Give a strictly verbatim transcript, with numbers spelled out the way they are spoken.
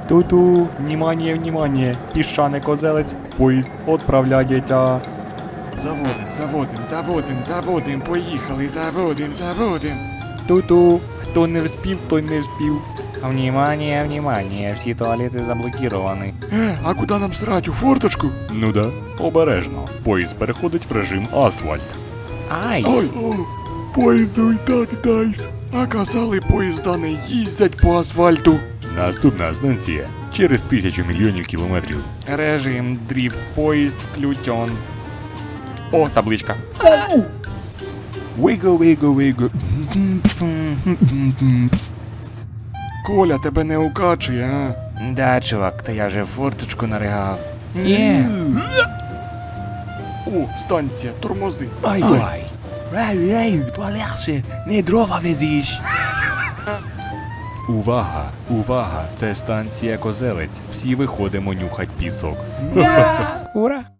Ту-ту, внимание, внимание, піщаний козелець, поїзд відправляється. Заводим, заводим, заводим, заводим, поїхали, заводим, заводим. Ту-ту, хто не вспів, той не вспів. Внимание, внимание, всі туалети заблокіровані. Е, а куди нам срать, у форточку? Ну да, обережно. Поїзд переходить в режим асфальт. Ай! Ой, о, поїзду і так дайс. А казали, поїзда не їздять по асфальту. Наступна станція через тисячу мільйонів кілометрів. Режим дріфт, поїзд включен. О, табличка. Виго, виго, виго. Коля, тебе не укачує, а? Да, чувак, та я вже форточку наригав. Ні. О, станція, тормози. Ай, ай. Ей, ей, полегше, не дрова везиш. Увага, увага, це станція Козелець. Всі виходимо нюхать пісок. Ура!